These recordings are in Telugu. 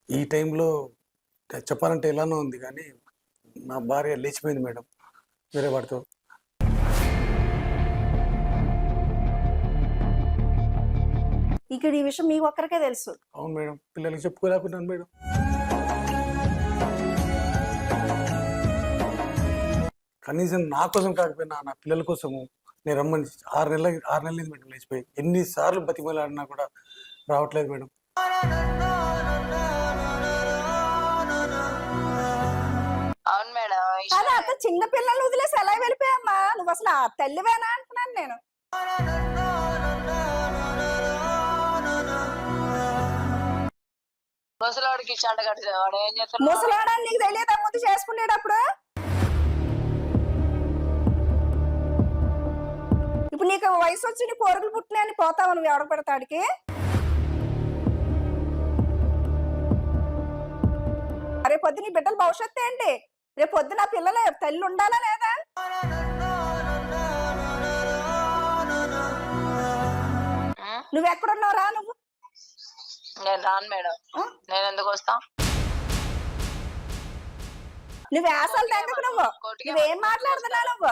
ఈ టైంలో చెప్పాలంటే ఎలానో ఉంది కానీ, నా భార్య లేచిపోయింది మేడం వేరే వాడితో. ఇక్కడ ఈ విషయం మీకు ఒక్కరికే తెలుసు. అవును మేడం. పిల్లలకి చెప్పుకోలేకున్నాను మేడం. కనీసం నా కోసం కాకపోయినా నా పిల్లల కోసము నేను రమ్మని 6 నెలలైంది మేడం లేచిపోయి. ఎన్నిసార్లు బతిమలాడినా కూడా రావట్లేదు మేడం. అవును మేడం. కానీ అంత చిన్న పిల్లల్ని వదిలేసి ఎలా వెళ్ళిపోయామ్మా? నువ్వు అసలు ఆ తల్లివేనా అంటున్నాను నేను. ముసలోడికి చెంట కట్టేది వాడు ఏం చేస్తున్నాడు? ముసలాడని నీకు తెలియదా ముందు చేసుకునేటప్పుడు? ఇప్పుడు నీకు వయసు వచ్చి నీ కోరికలు పుట్టినాయని పోతావు నువ్వు ఎవడ పెడతాడికి? రేపు పొద్దు నీ బిడ్డల భవిష్యత్తు ఏంటి? రేపు పొద్దున పిల్లల తల్లి ఉండాలా లేదా? నువ్వు ఎక్కడున్నావు రా నువ్వు. నేను రాను మేడం. నేను ఎందుకు వస్తా? నువ్వు వేసాలు తెగకు నువ్వు. నువ్వేం మాట్లాడుతున్నావు నువ్వు?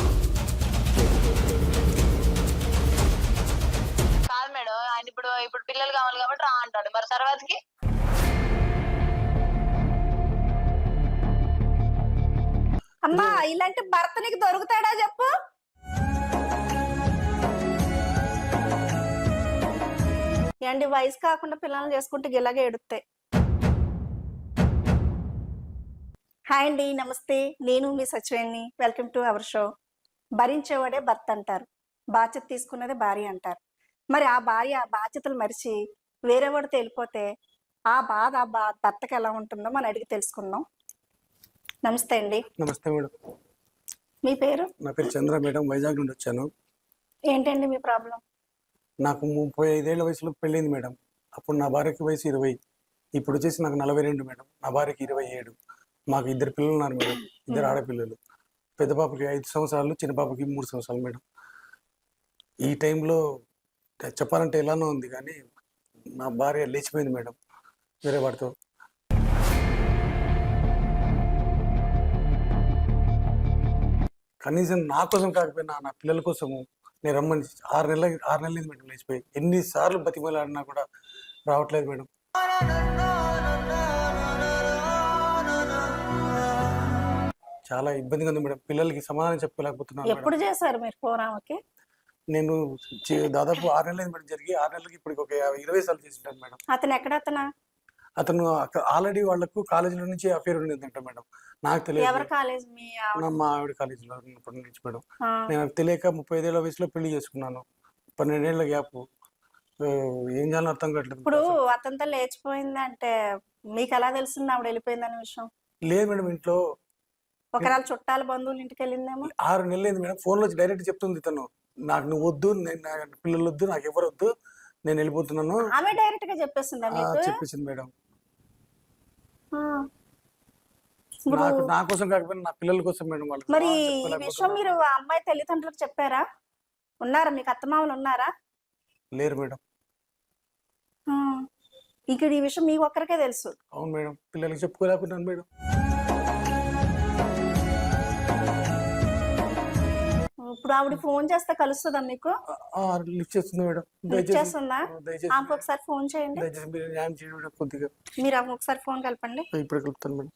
కాదు మేడం, ఆయన ఇప్పుడు పిల్లలు కావాలి కాబట్టి రా అంటాడు. మరి తర్వాతకి అమ్మా ఇలాంటి భర్త నీకు దొరుకుతాడా చెప్పు? ఏంటి వయసు కాకుండా పిల్లల్ని చేసుకుంటే ఇలాగే ఎడుతాయి. హాయ్ అండి, నమస్తే. నేను మీ Sachiveni. Welcome to our show. భరించేవాడే భర్త అంటారు, బాధ్యత తీసుకున్నదే భార్య అంటారు. మరి ఆ భార్య ఆ బాధ్యతలు మరిచి వేరే వాడితో వెళ్ళిపోతే ఆ బాధ భర్తకి ఎలా ఉంటుందో మనం అడిగి తెలుసుకుందాం. నమస్తే అండి. నమస్తే మేడం. మీ పేరు? నా పేరు చంద్ర మేడం. వైజాగ్ నుండి వచ్చాను. ఏంటండి మీ ప్రాబ్లం? నాకు 35 ఏళ్ల వయసులో పెళ్ళింది మేడం. అప్పుడు నా భార్యకి వయసు 20. ఇప్పుడు వచ్చేసి నాకు 42 మేడం. నా భార్యకి 27. మాకు 2 పిల్లలు ఉన్నారు మేడం. 2 ఆడపిల్లలు. పెద్ద పాపకి 5 సంవత్సరాలు, చిన్న పాపకి 3 సంవత్సరాలు మేడం. ఈ టైంలో చెప్పాలంటే ఎలానో ఉంది కానీ, నా భార్య లేచిపోయింది మేడం వేరే వాడితో. కనీసం నా కోసం కాకపోయినా నా పిల్లల కోసము నేను రమ్మని 6 నెలలైంది మేడం లేచిపోయి. ఎన్నిసార్లు బతిమలాడినా కూడా రావట్లేదు మేడం. చాలా ఇబ్బందిగా ఉంది మేడం. పిల్లలకి సమాధానం చెప్పలేకపోతున్నాను. ఎప్పుడు చేశారు మీరు ఫోన్ ఆమెకి? నేను దాదాపు 6 నెలలైంది మేడం జరిగి. 6 నెలలకి ఇప్పుడు ఒక 20 సార్లు చేసింటాను మేడం. అతను ఎక్కడ? అతను ఆల్రెడీ వాళ్ళకు కాలేజీలో నుంచి అఫేర్ ఉండేదంట మేడం. నాకు తెలియదు. ఎవరి కాలేజ్? మా ఆవిడ కాలేజీలో ఉన్నప్పటి నుంచి మేడం. నేను తెలియక 35 ఏళ్ల వయసులో పెళ్లి చేసుకున్నాను. 12 ఏళ్ల గ్యాప్. ఏం చేయాలో అర్థం కావట్లేదు. ఇప్పుడు అతనితో లేచిపోయింది అంటే మీకు ఎలా తెలిసింది ఆవిడ వెళ్ళిపోయిందనే విషయం? లేదు మేడం, ఇంట్లో ఒకవేళ చుట్టాల బంధువులు ఇంటికి వెళ్ళిందేమో. 6 నెలలైంది మేడం. ఫోన్ లో డైరెక్ట్ చెప్తుంది తను, నాకు నువ్వు వద్దు, నా పిల్లలు వద్దు, నాకు ఎవరు వద్దు, నేను వెళ్ళిపోతున్నాను. ఆమె డైరెక్ట్ గా చెప్పేసిందా మీకు? చెప్పేసింది మేడం. నాకు నా కోసం కాకపోయినా నా పిల్లల కోసం మేడం. వాళ్ళు మరి ఈ విషయం మీరు ఆ అమ్మాయి తల్లిదండ్రులకు చెప్పారా? ఉన్నారా మీకు అత్తమామలు ఉన్నారా? లేరు మేడం. ఇక్కడ ఈ విషయం మీకు ఒక్కరికే తెలుసు. అవును మేడం. పిల్లలకి చెప్పుకోలేకున్నాను మేడం. ఇప్పుడు ఆవిడ ఫోన్ చేస్తే కలుస్తుందా మీకు? లిఫ్ట్ చేస్తుంది మేడం. లిఫ్ట్ చేస్తుందా? దయచేసి ఆమెకు ఒకసారి ఫోన్ చేయండి. దయచేసి మీరు న్యాయం చేయండి మేడం కొద్దిగా. మీరు ఆమెకు ఒకసారి ఫోన్ కలపండి. ఇప్పుడు కలుపుతాను మేడం.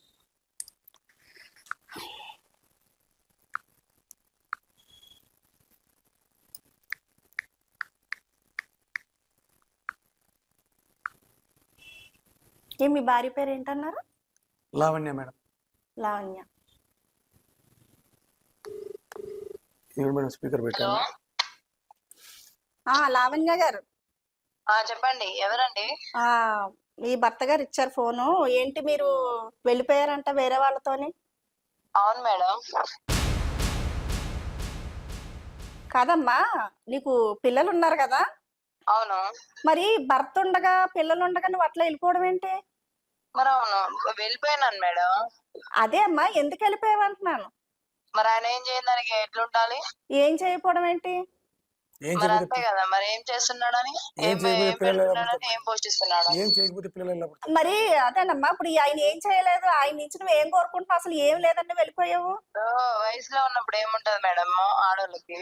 మీ భార్య పేరు ఏంటన్నారు? Lavanya madam. Lavanya. Madam speaker పెట్టాను. లావణ్య గారు చెప్పండి. ఎవరండి? మీ భర్త గారు ఇచ్చారు ఫోను. ఏంటి మీరు వెళ్ళిపోయారంట వేరే వాళ్ళతోని? అవును మేడం. కాదమ్మా, నీకు పిల్లలు ఉన్నారు కదా? అవును. మరి భర్త ఉండగా పిల్లలు ఉండగా నువ్వు అట్లా వెళ్ళిపోవడం ఏంటి? మరి అవును, వెళ్ళిపోయినాను మేడం. అదే అమ్మా, ఎందుకు వెళ్ళిపోయావు అంటున్నాను. మరి ఆయన ఏం చేయడానికి ఎట్లుండాలి? ఏం చేయకపోవడం ఏంటి? ఏం మరి చేయకపోతే అంతే కదా, మరి ఏం చేస్తున్నాడని, ఏం చేయకపోతే ఏం పిల్లలు ఎలా పెడుతున్నాడని, పుడతారు? ఏం పోషిస్తున్నాడు? ఏం చేయకపోతే పిల్లలు ఎలా పుడతారు? మరి అదేనమ్మా, ఇప్పుడు ఆయన ఏం చేయలేదు, ఆయన నుంచి నువ్వు ఏం కోరుకుంటున్నావు? అసలు ఏం లేదని వెళ్ళిపోయావు. వయసులో ఉన్నప్పుడు ఏముంటది మేడం ఆడోళ్ళకి?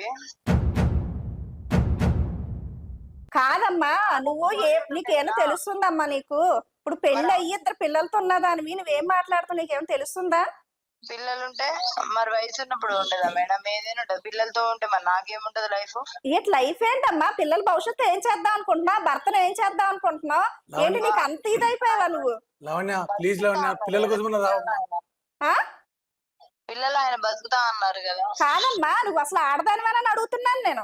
కాదమ్మా, నువ్వు నీకేమో తెలుస్తుందమ్మా నీకు? ఇప్పుడు పెళ్లి అయ్యి ఇద్దరు పిల్లలతో ఉన్నదానివి నువ్వేం మాట్లాడుతావు? నీకేమో తెలుస్తుందా? పిల్లలుంటే మరి వయసు ఉన్నప్పుడు ఉండదా మేడం? ఏదైనా ఉంటది, పిల్లలతో ఉంటే మరి నాకేముంటది లైఫ్? ఏంటి లైఫ్ ఏంటమ్మా? పిల్లల భవిష్యత్తు ఏం చేద్దాం అనుకుంటున్నావు? భర్తను ఏం చేద్దాం అనుకుంటున్నావు? ఏంటి నీకు అంత ఇదైపోయావా నువ్వు? లావణ్య ప్లీజ్ లావణ్య, పిల్లల కోసం రావమ్మా. ఆ పిల్లలు ఆయన బతుకుతా అన్నారు కదా. కాదమ్మా, నువ్వు అసలు ఆడదానివేనని అడుగుతున్నాను నేను.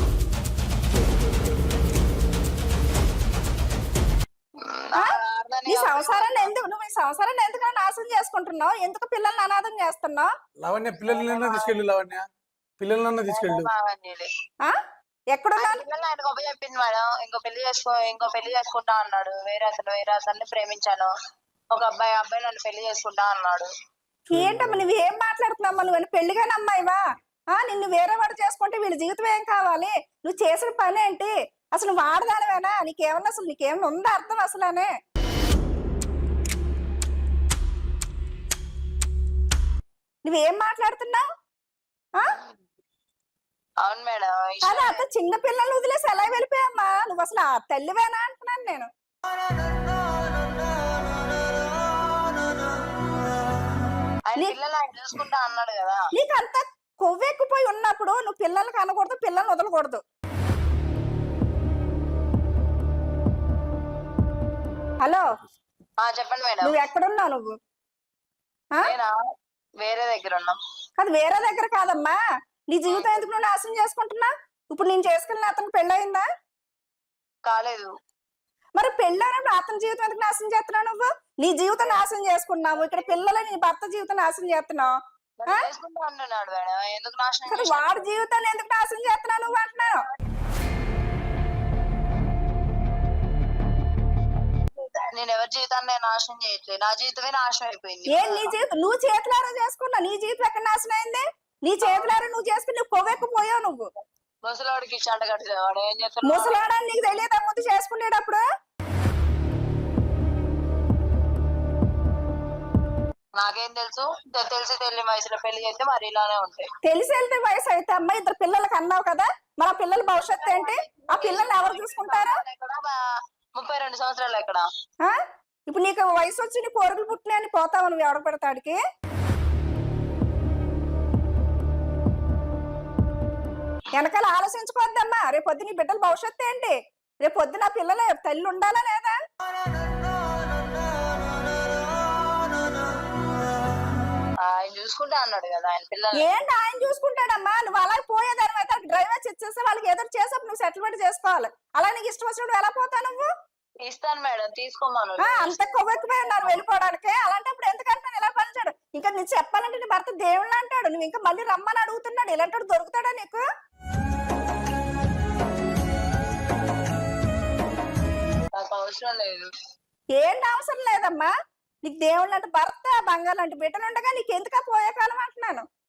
ఆ? నీ సంసారాన్ని ఎందుకు నువ్వు ఈ సంసారాన్ని ఎందుకు నాశనం చేసుకుంటున్నావు? ఎందుకు పిల్లల్ని అనాథం చేస్తున్నావు? లావణ్య పిల్లలన్నా తీసుకెళ్ళు, లావణ్య పిల్లలన్నా తీసుకెళ్ళు. ఆ ఎక్కడున్నాను? పిల్లలు ఆయనకు ఒక చెప్పింది మేడం, ఇంకో పెళ్లి చేసుకుంటా అన్నాడు. వేరే అతన్ని ప్రేమించాను, ఒక అబ్బాయి నన్ను పెళ్లి చేసుకుంటా అన్నాడు. ఏంటమ్మా నువ్వు ఏం మాట్లాడుతున్నావమ్మా? నువ్వు పెళ్లిగాని అమ్మాయివా? నిన్ను వేరే వాడు చేసుకుంటే వీళ్ళ జీవితం ఏం కావాలి? నువ్వు చేసిన పని ఏంటి? అసలు నువ్వు ఆడదానివేనా? నీకేమన్నా ఉందా అర్థం అసలనే? నువ్వేం మాట్లాడుతున్నావు? అవును మేడం. అదే అంత చిన్న పిల్లల్ని వదిలేసి ఎలా వెళ్ళిపోయామ్మా? నువ్వు అసలు ఆ తల్లివేనా అంటున్నాను నేను. ఆయన పిల్లలు ఆయన చూసుకుంటా అన్నాడు కదా. నీకు అంత కొవ్వెక్కిపోయి ఉన్నప్పుడు నువ్వు పిల్లల్ని కనకూడదు, పిల్లల్ని వదలకూడదు. హలో, చెప్పండి మేడం. నువ్వు ఎక్కడున్నావు నువ్వు? నేనా వేరే దగ్గర ఉన్నాం. అది వేరే దగ్గర కాదమ్మా. నీ జీవితం ఎందుకు నువ్వు నాశనం చేసుకుంటున్నా? ఇప్పుడు నేను చేసుకున్న అతను పెళ్ళయిందా? కాలేదు. మరి పెళ్ళైనప్పుడు అతని జీవితం ఎందుకు నాశనం చేస్తున్నావు నువ్వు? నీ జీవితం నాశనం చేసుకున్నావు, ఇక్కడ పిల్లలు నీ భర్త జీవితం నాశనం చేస్తున్నావు. చేసుకుంటా అంటున్నాడు మేడం, ఎందుకు నాశనం కానీ వాడి జీవితాన్ని ఎందుకు నాశనం చేస్తున్నావు నువ్వు అంటున్నావు? నేను ఎవరి జీవితాన్ని నాశనం చేయట్లేదు, నా జీవితమే నాశనం అయిపోయింది. ఏం నీ జీవితం నువ్వు చేతులారా చేసుకున్నావు? నీ జీవితం ఎక్కడ నాశనం అయింది? నీ చేతులారా నువ్వు చేసుకుని నువ్వు కొవ్వెక్కిపోయావు నువ్వు. ముసలాడికి ఇచ్చాంట కట్టేవాడు ఏం చేస్తున్నాడు? ముసలాడని నీకు తెలియదా ముందు చేసుకునేటప్పుడు? నాకేం తెలుసు? తెలియని వయసులో పెళ్లి చేస్తే మరి ఇలానే ఉంటాయి. తెలిసి వెళ్తే వయసు అయితే అమ్మా, ఇద్దరు పిల్లలకి అన్నావు కదా, మరి ఆ పిల్లల భవిష్యత్తు ఏంటి? ఆ పిల్లల్ని ఎవరు చూసుకుంటారు? 32 సంవత్సరాలు ఎక్కడ? ఇప్పుడు నీకు వయసు వచ్చి నీ కోరికలు పుట్టినాయని పోతావు నువ్వు ఎవడ పెడతాడికి? వెనకాల ఆలోచించుకోవద్దమ్మా. రేపు పొద్దు నీ బిడ్డల భవిష్యత్తు ఏంటి? రేపు పొద్దు నా పిల్లల తల్లి ఉండాలా లేదా? ఆయన చూసుకుంటా అన్నాడు కదా ఆయన పిల్లలు. ఏంటి ఆయన చూసుకుంటాడమ్మా? నువ్వు అలా పోయేదాని అయితే డ్రైవర్ ఇచ్చేస్తే వాళ్ళకి ఏదో చేసేప్పుడు నువ్వు సెటిల్మెంట్ చేసుకోవాలి. అలా నీకు ఇష్టం వచ్చినప్పుడు ఎలా పోతావు నువ్వు? ఇస్తాను మేడం, తీసుకోమను. అంత కొవ్వెక్కిపోయి ఉన్నారు వెళ్ళిపోవడానికి. అలాంటప్పుడు ఎందుకంటే ఇలా పనిచాడు? ఇంకా నీకు చెప్పాలంటే నీ భర్త దేవుళ్ళు అంటాడు, నువ్వు ఇంకా మళ్ళీ రమ్మని అడుగుతున్నాడు. ఇలాంటి దొరుకుతాడా నీకు? నాకు అవసరం లేదు. ఏంటి అవసరం లేదమ్మా? నీకు దేవుళ్ళు అంటే భర్త, బంగారు లాంటి బిడ్డలు ఉండగా నీకు ఎందుకా పోయే కాలం అంటున్నాను.